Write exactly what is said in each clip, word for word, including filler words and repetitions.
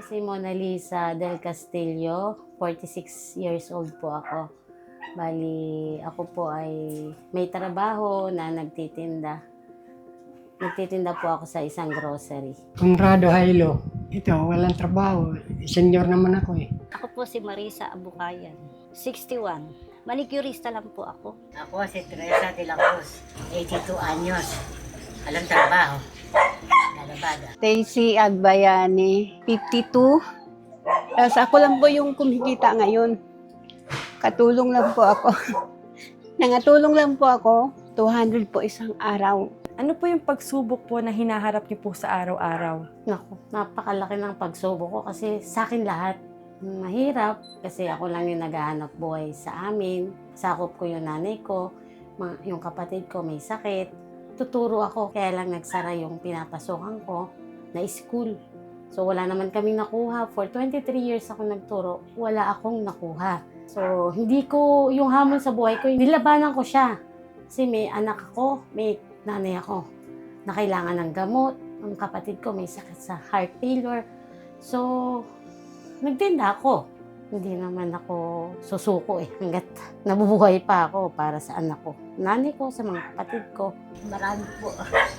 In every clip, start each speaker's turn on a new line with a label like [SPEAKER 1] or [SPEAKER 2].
[SPEAKER 1] Si Mona Lisa del Castillo, forty-six years old po ako. Bali, ako po ay may trabaho na nagtitinda. Nagtitinda po ako sa isang grocery.
[SPEAKER 2] Conrado Hailo. Ito, walang trabaho. Senior naman ako eh.
[SPEAKER 3] Ako po si Marisa Abukayan, sixty-one. Manicurista lang po ako.
[SPEAKER 4] Ako si Teresa de la Cruz, eighty-two anyos. Walang trabaho. Lalabada.
[SPEAKER 5] Stacy Agbayani, fifty-two. Tapos ako lang po yung kumikita ngayon. Katulong lang po ako. Nangatulong lang po ako, two hundred po isang araw.
[SPEAKER 6] Ano po yung pagsubok po na hinaharap niyo po sa araw-araw?
[SPEAKER 1] Naku, napakalaki ng pagsubok ko kasi sa akin lahat. Mahirap kasi ako lang yung naghahanap buhay sa amin. Sakop ko yung nanay ko, mga- yung kapatid ko may sakit. Tuturo ako, kaya lang nagsara yung pinapasokan ko na school. So wala naman kaming nakuha. For twenty-three years ako nagturo, wala akong nakuha. So hindi ko, yung hamon sa buhay ko, nilabanan ko siya. Kasi may anak ako, may nanay ako na kailangan ng gamot. Ang kapatid ko may sakit sa heart failure. So, nagtinda ako. Hindi naman ako susuko eh, hanggat nabubuhay pa ako para sa anak ko. Nanay ko, sa mga kapatid ko.
[SPEAKER 4] Marami po.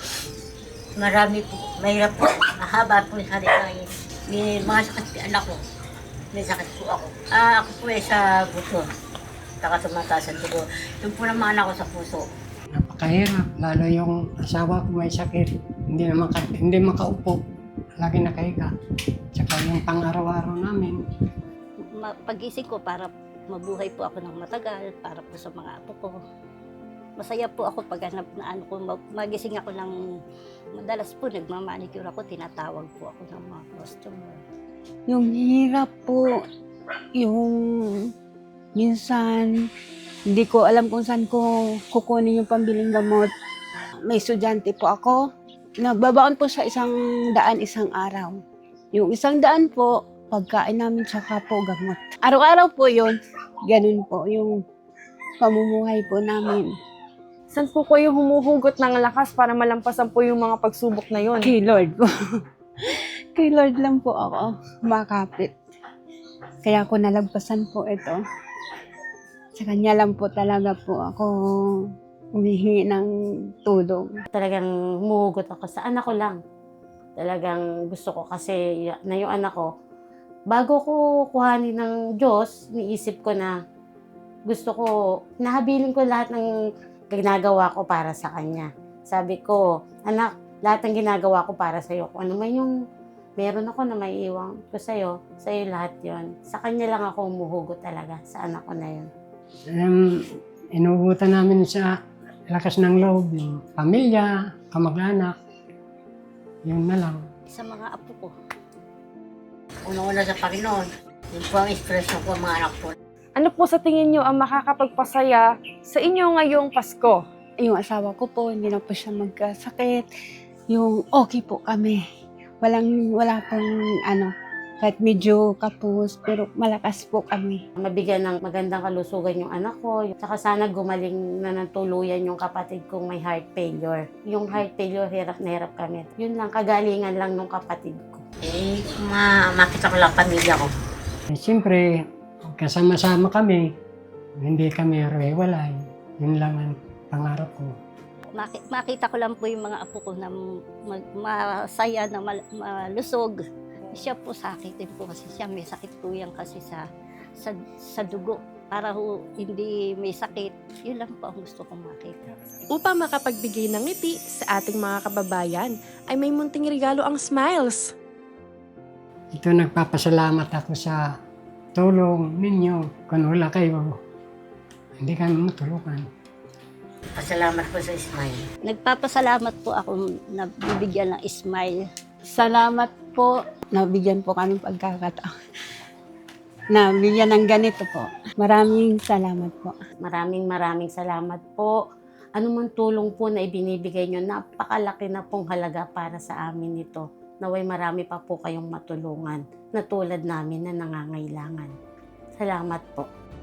[SPEAKER 4] Marami po. Mahirap po. Mahaba po yung halikain. May mga sakit si anak ko. May sakit po ako. Ah, ako po ay sa buto. Saka tumataas ang dugo. Yung po naman anak ko sa puso.
[SPEAKER 2] Napakahirap. Lalo yung asawa ko may sakit. Hindi na maka, hindi makaupo. Lagi nakahiga. Tsaka yung pang-araw-araw namin.
[SPEAKER 3] Ma- Pag-isip ko para mabuhay po ako ng matagal, para po sa mga apo ko. Masaya po ako pag hanap na ano ko, mag- magising ako ng madalas po, nagmamanicure ako, tinatawag po ako ng mga customer.
[SPEAKER 5] Yung hirap po, yung minsan, hindi ko alam kung saan ko kukunin yung pambiling gamot. May estudyante po ako. Nagbabaon po sa isang daan isang araw. Yung isang daan po, pagkain namin tsaka po gamot. Araw-araw po yun. Ganun po yung pamumuhay po namin.
[SPEAKER 6] Saan po kayo humuhugot ng lakas para malampasan po yung mga pagsubok na yun?
[SPEAKER 5] Kay Lord po. Kay Lord lang po ako makapit. Kaya ako nalagpasan po ito. Sa Kanya lang po talaga po ako humihingi ng tulong.
[SPEAKER 1] Talagang humuhugot ako sa anak ko lang. Talagang gusto ko kasi y- na yung anak ko, bago ko kuhanin ng Diyos, niisip ko na gusto ko, nahabilin ko lahat ng ginagawa ko para sa Kanya. Sabi ko, anak, lahat ng ginagawa ko para sa'yo. Kung ano man yung meron ako na may iwan ko sa'yo, sa'yo lahat yon. Sa Kanya lang ako humuhugot talaga, sa anak ko na yun.
[SPEAKER 2] Um, inuubutan namin sa lakas ng loob, yung pamilya, kamag-anak. Yun na lang.
[SPEAKER 3] Sa mga apo ko,
[SPEAKER 4] Unang-una sa Panginoon. Yun po ang expression ko mga anak po.
[SPEAKER 6] Ano po sa tingin niyo ang makakapagpasaya sa inyo ngayong Pasko?
[SPEAKER 5] Yung asawa ko po, hindi na po siya magkasakit. Yung okay po kami. Walang, wala pong ano, kahit medyo kapos, pero malakas po kami.
[SPEAKER 1] Mabigyan ng magandang kalusugan yung anak ko. Saka sana gumaling na ng tuluyan yung kapatid kong may heart failure. Yung heart failure, hirap na hirap kami. Yun lang, kagalingan lang ng kapatid ko.
[SPEAKER 4] Eh, ma makita ko lang pamilya ko.
[SPEAKER 2] Eh, siyempre, kasama-sama kami. Hindi kami hiwalay. Yun lang ang pangarap ko.
[SPEAKER 3] Maki- makita ko lang po yung mga apo ko na mag- masaya, na mal- malusog. Siya po sakit din po kasi siya may sakit po yan kasi sa, sa, sa dugo. Para ho, hindi may sakit, yun lang po ang gusto kong makita.
[SPEAKER 7] Upang makapagbigay ng ngiti sa ating mga kababayan, ay may munting regalo ang Smiles.
[SPEAKER 2] Ito nagpapasalamat ako sa tulong ninyo. Kung wala kayo, hindi kami matulungan.
[SPEAKER 4] Pasalamat po sa Ismail.
[SPEAKER 3] Nagpapasalamat po ako na bibigyan ng smile.
[SPEAKER 5] Salamat po. Nabigyan po kami pagkakataon. Nabigyan ng ganito po. Maraming salamat po.
[SPEAKER 1] Maraming maraming salamat po. Ano man tulong po na ibinibigay nyo, napakalaki na pong halaga para sa amin ito. Naway marami pa po kayong matulungan na tulad namin na nangangailangan. Salamat po.